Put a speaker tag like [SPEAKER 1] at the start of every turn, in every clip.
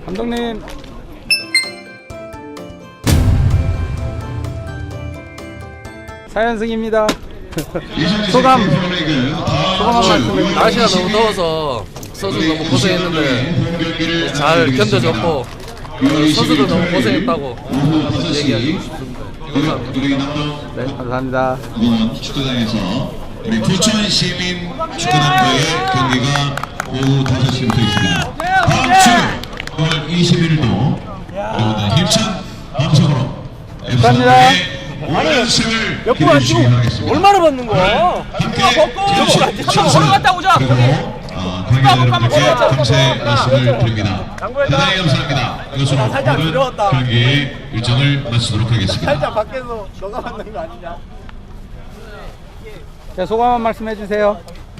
[SPEAKER 1] 감독님. 사연승입니다. 소감 한 말씀.
[SPEAKER 2] 날씨가 너무 더워서 선수 너무 고생했는데 잘 견뎌줬고 선수들 너무 고생했다고 얘기하고 싶습니다. 감사합니다.
[SPEAKER 1] 네, 감사합니다.
[SPEAKER 3] 축구장에서 우리 부천 시민 축구단과의 경기가 오후 5시부터 있습니다. 다음 주 9월 21일도 여러분들 힘찬 방송으로
[SPEAKER 1] 감사합니다.
[SPEAKER 3] 5연승을 기대해 주시기 바라겠습니다.
[SPEAKER 4] 얼마나 받는 거야?
[SPEAKER 3] 함께
[SPEAKER 4] 한번 걸어갔다 오자.
[SPEAKER 3] 관계자분들께 감사의 말씀을 드립니다. 대단히 감사합니다. 이것으로 오늘 경기 일정을 마치도록 하겠습니다.
[SPEAKER 4] 살짝 밖에서 너가 받는 거 아니냐?
[SPEAKER 1] 자, 소감 한 말씀 해주세요.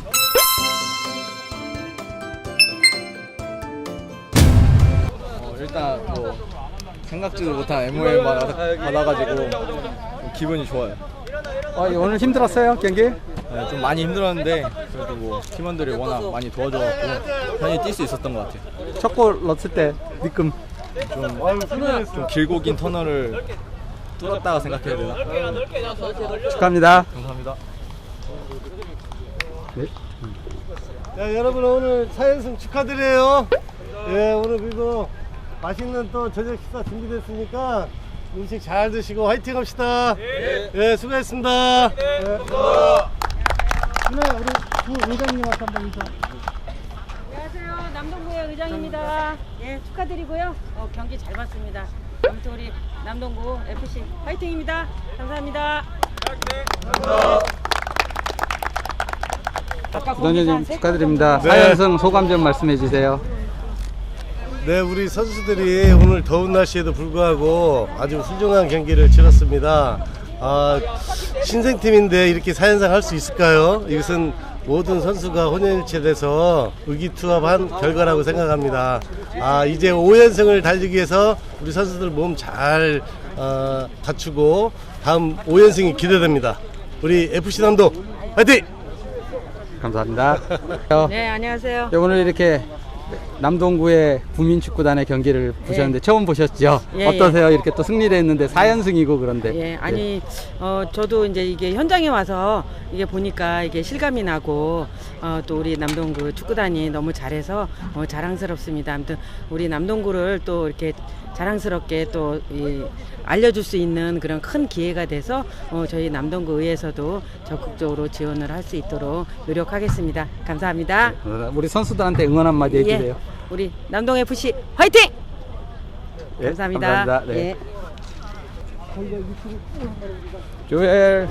[SPEAKER 5] 일단 뭐 생각지도 못한 MOL 받아가지고 기분이 좋아요.
[SPEAKER 1] 오늘 힘들었어요, 경기?
[SPEAKER 5] 네, 좀 많이 힘들었는데 그래도 뭐 팀원들이 워낙 많이 도와줘갖고 편히 뛸 수 있었던 것 같아요.
[SPEAKER 1] 첫 골 넣었을 때 느낌.
[SPEAKER 5] 좀 길고 긴 터널을 뚫었다가 생각해야 되나?
[SPEAKER 1] 축하합니다.
[SPEAKER 5] 감사합니다.
[SPEAKER 4] 자, 여러분 오늘 4연승 축하드려요. 예, 오늘 그리고 맛있는 또 저녁 식사 준비됐으니까 음식 잘 드시고 화이팅 합시다. 예, 수고했습니다. 네, 우리 부 의장님한테 한번 인사.
[SPEAKER 6] 안녕하세요. 남동구의 의장입니다. 예, 축하드리고요. 경기 잘 봤습니다. 아무튼 우리 남동구 FC 화이팅입니다. 감사합니다.
[SPEAKER 1] 부단장님 축하드립니다.
[SPEAKER 4] 네.
[SPEAKER 1] 4연승 소감 좀 말씀해 주세요.
[SPEAKER 4] 네, 우리 선수들이 오늘 더운 날씨에도 불구하고 아주 훌륭한 경기를 치렀습니다. 신생팀인데 이렇게 4연승 할 수 있을까요? 이것은 모든 선수가 혼연일체돼서 의기투합한 결과라고 생각합니다. 이제 5연승을 달리기 위해서 우리 선수들 몸 잘 갖추고 다음 5연승이 기대됩니다. 우리 FC 남동 화이팅!
[SPEAKER 1] 감사합니다.
[SPEAKER 6] 네, 안녕하세요.
[SPEAKER 1] 오늘 이렇게 남동구의 구민축구단의 경기를 보셨는데 처음 보셨죠?
[SPEAKER 6] 예,
[SPEAKER 1] 어떠세요? 이렇게 또 승리를 했는데 4연승이고 그런데.
[SPEAKER 6] 예, 아니, 저도 이제 이게 현장에 와서 이게 보니까 이게 실감이 나고, 또 우리 남동구 축구단이 너무 잘해서 자랑스럽습니다. 아무튼 우리 남동구를 또 이렇게 자랑스럽게 또 알려줄 수 있는 그런 큰 기회가 돼서 저희 남동구 의회에서도 적극적으로 지원을 할 수 있도록 노력하겠습니다. 감사합니다.
[SPEAKER 1] 우리 선수들한테 응원 한마디 해주세요.
[SPEAKER 6] 예, 우리 남동 FC 화이팅!
[SPEAKER 1] 예,
[SPEAKER 6] 감사합니다.
[SPEAKER 1] 감사합니다. 네.
[SPEAKER 6] 예.
[SPEAKER 1] 조엘.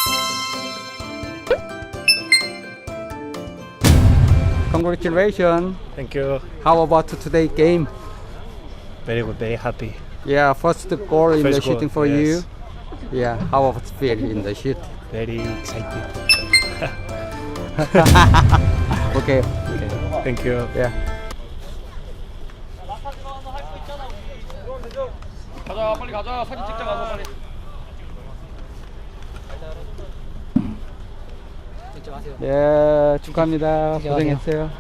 [SPEAKER 1] Congratulations.
[SPEAKER 7] Thank you.
[SPEAKER 1] How about today game?
[SPEAKER 7] Very good. Very happy.
[SPEAKER 1] Yeah, first goal in
[SPEAKER 7] First
[SPEAKER 1] the
[SPEAKER 7] goal,
[SPEAKER 1] shooting for
[SPEAKER 7] yes.
[SPEAKER 1] you. Yeah, how about feel in the shoot?
[SPEAKER 7] Very excited.
[SPEAKER 1] Okay.
[SPEAKER 7] Thank you.
[SPEAKER 1] Yeah.
[SPEAKER 2] 가자 빨리 가자 사진 찍자 가서 빨리.
[SPEAKER 1] 예, 축하합니다. 고생했어요.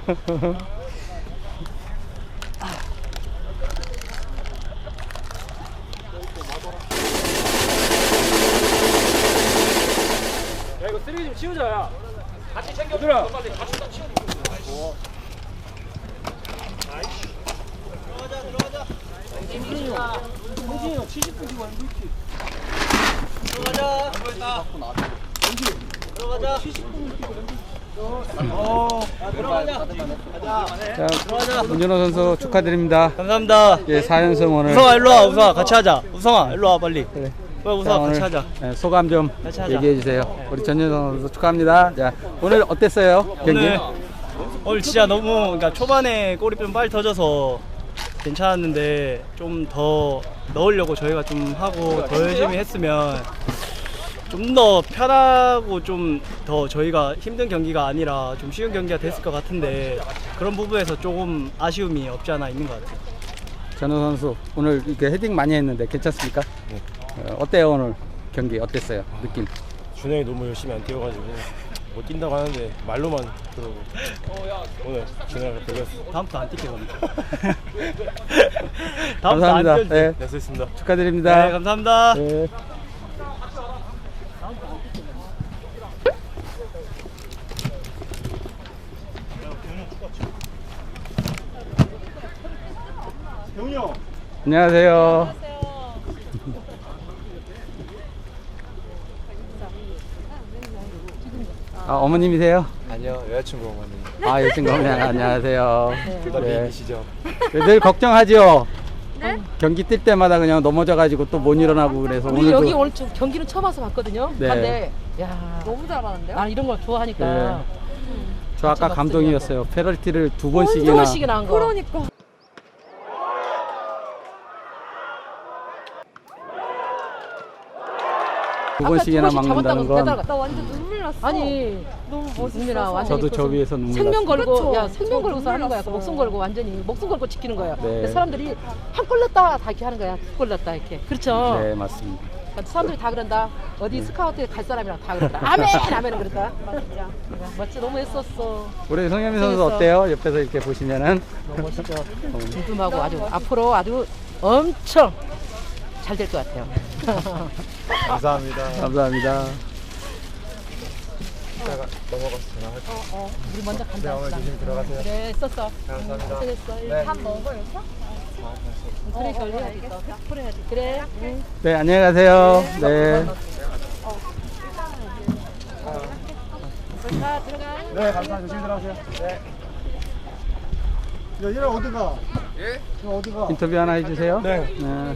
[SPEAKER 2] 야 이거 쓰레기 좀 치우자. 야. 같이 챙겨. 들어. 빨리 같이 다 치우.
[SPEAKER 1] 자, 문준호 선수 축하드립니다.
[SPEAKER 7] 감사합니다.
[SPEAKER 1] 예, 4연승 오늘.
[SPEAKER 7] 우성아 일로 와. 우성아 같이 하자. 우성아 일로 와 빨리.
[SPEAKER 1] 그래.
[SPEAKER 7] 빨리
[SPEAKER 1] 자,
[SPEAKER 7] 우성아
[SPEAKER 1] 오늘
[SPEAKER 7] 같이 하자.
[SPEAKER 1] 예, 소감 좀
[SPEAKER 7] 같이 하자.
[SPEAKER 1] 얘기해 주세요. 우리 전윤성 선수 축하합니다. 자, 오늘 어땠어요? 경기?
[SPEAKER 7] 오늘 진짜 너무 그러니까 초반에 골이 좀 빨리 터져서 괜찮았는데 좀 더 넣으려고 저희가 좀 하고 더 열심히 했으면 좀 더 편하고 좀 더 저희가 힘든 경기가 아니라 좀 쉬운 경기가 됐을 것 같은데 그런 부분에서 조금 아쉬움이 없지 않아 있는 것 같아요.
[SPEAKER 1] 전우 선수 오늘 이렇게 헤딩 많이 했는데 괜찮습니까? 어때요 오늘 경기 어땠어요? 느낌?
[SPEAKER 8] 준영이 너무 열심히 안 뛰어가지고
[SPEAKER 4] 못 뛴다고 하는데 말로만 들어오고 오늘 그날 걸렸어.
[SPEAKER 7] 다음부터 안 뛸게 겁니다.
[SPEAKER 1] 감사합니다. 네,
[SPEAKER 4] 네, 수고했습니다.
[SPEAKER 1] 축하드립니다.
[SPEAKER 7] 네, 감사합니다.
[SPEAKER 1] 네. 안녕하세요. 아, 어머님이세요?
[SPEAKER 5] 아니요, 여자친구 어머니.
[SPEAKER 1] 아, 여친구 어머니 안녕하세요.
[SPEAKER 5] 둘다
[SPEAKER 1] 네.
[SPEAKER 5] 미인이시죠?
[SPEAKER 1] 늘 걱정하죠? 경기 뛸 때마다 그냥 넘어져가지고 또 못 일어나고 그래서
[SPEAKER 8] 우리
[SPEAKER 1] 오늘도
[SPEAKER 8] 여기 오늘 경기는 처음 와서 봤거든요.
[SPEAKER 1] 네.
[SPEAKER 8] 근데 야 너무 잘하는데요? 나 이런 걸 좋아하니까.
[SPEAKER 1] 네. 저 아까 감동이었어요. 페널티를 두 번씩이나.
[SPEAKER 8] 두 번씩이나 한 거. 그러니까.
[SPEAKER 1] 두 번씩이나 막는다는 건
[SPEAKER 8] 나 완전 눈물 났어. 아니 너무 멋있어. 완전히
[SPEAKER 1] 저도 저 위에서 눈물
[SPEAKER 8] 생명
[SPEAKER 1] 났어요.
[SPEAKER 8] 걸고 야 생명 걸고서 하는 거야. 목숨 걸고 완전히 목숨 걸고 지키는 거야.
[SPEAKER 1] 네.
[SPEAKER 8] 근데 사람들이 한 골 넣었다 다 이렇게 하는 거야. 두 골 넣었다 이렇게. 그렇죠.
[SPEAKER 1] 네, 맞습니다.
[SPEAKER 8] 그러니까 사람들이 다 그런다. 어디 스카우트에 갈 사람이랑 다 그런다. 아멘 아멘은 그랬다. 진짜. 멋지 너무 했었어.
[SPEAKER 1] 우리 송현민 선수
[SPEAKER 8] 재밌어.
[SPEAKER 1] 어때요? 옆에서 이렇게 보시면은
[SPEAKER 8] 너무 멋있죠. 든든하고 아주 앞으로 아주 엄청 잘 될 것 같아요.
[SPEAKER 5] 감사합니다.
[SPEAKER 1] 감사합니다.
[SPEAKER 5] 이따가 넘어가서 전화할게요.
[SPEAKER 8] 우리 먼저 간다.
[SPEAKER 5] 네, 어머니 조심히 들어가세요.
[SPEAKER 8] 그래 썼어.
[SPEAKER 5] 감사합니다.
[SPEAKER 8] 고생했어.
[SPEAKER 5] 네.
[SPEAKER 8] 밥 먹어요? 그래 그걸 해야겠어. 풀어야지. 그래. 응.
[SPEAKER 1] 네, 안녕히 가세요. 네.
[SPEAKER 8] 자 들어가.
[SPEAKER 5] 네, 감사합니다. 조심히 들어가세요. 네.
[SPEAKER 1] 인터뷰 하나 해주세요.
[SPEAKER 5] 네.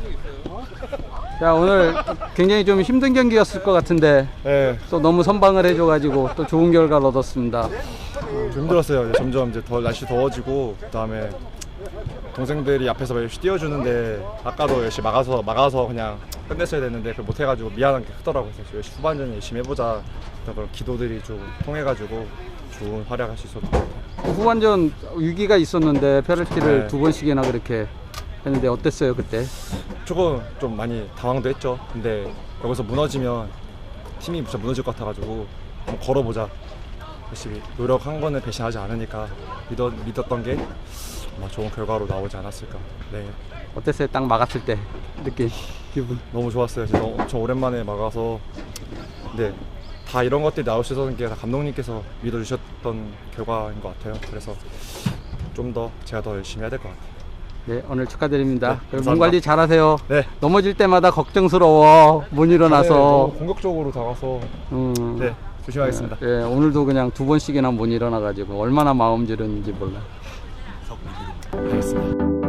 [SPEAKER 1] 자, 오늘 굉장히 좀 힘든 경기였을 것 같은데
[SPEAKER 5] 네,
[SPEAKER 1] 또 너무 선방을 해줘가지고 또 좋은 결과를 얻었습니다.
[SPEAKER 5] 좀 힘들었어요. 이제 점점 이제 날씨 더워지고 그다음에 동생들이 앞에서 열심히 뛰어주는데 아까도 열심히 막아서 그냥 끝냈어야 됐는데 그걸 못해가지고 미안한 게 크더라고요. 그래서 열심히 후반전 열심히 해보자 그런 기도들이 좀 통해가지고 좋은 활약할 수 있었던 것 같아요.
[SPEAKER 1] 후반전 위기가 있었는데 페널티를
[SPEAKER 5] 네.
[SPEAKER 1] 두 번씩이나 그렇게 했는데 어땠어요 그때?
[SPEAKER 5] 조금 좀 많이 당황도 했죠. 근데 여기서 무너지면 팀이 진짜 무너질 것 같아가지고 한번 걸어보자. 열심히 노력한 거는 배신하지 않으니까 믿었던 게 아마 좋은 결과로 나오지 않았을까. 네,
[SPEAKER 1] 어땠어요? 딱 막았을 때 느낀 기분?
[SPEAKER 5] 너무 좋았어요. 진짜 엄청 오랜만에 막아서. 네, 다 이런 것들이 나올 수 있었던 게 다 감독님께서 믿어주셨던 결과인 것 같아요. 그래서 좀 더 제가 더 열심히 해야 될 것 같아요.
[SPEAKER 1] 네, 오늘 축하드립니다.
[SPEAKER 5] 네,
[SPEAKER 1] 그리고
[SPEAKER 5] 감사합니다.
[SPEAKER 1] 몸 관리 잘하세요.
[SPEAKER 5] 네.
[SPEAKER 1] 넘어질 때마다 걱정스러워. 못 일어나서.
[SPEAKER 5] 너무 공격적으로 다가서 네, 조심하겠습니다.
[SPEAKER 1] 네, 오늘도 그냥 두 번씩이나 못 일어나가지고 얼마나 마음지르는지 몰라.
[SPEAKER 5] 알겠습니다.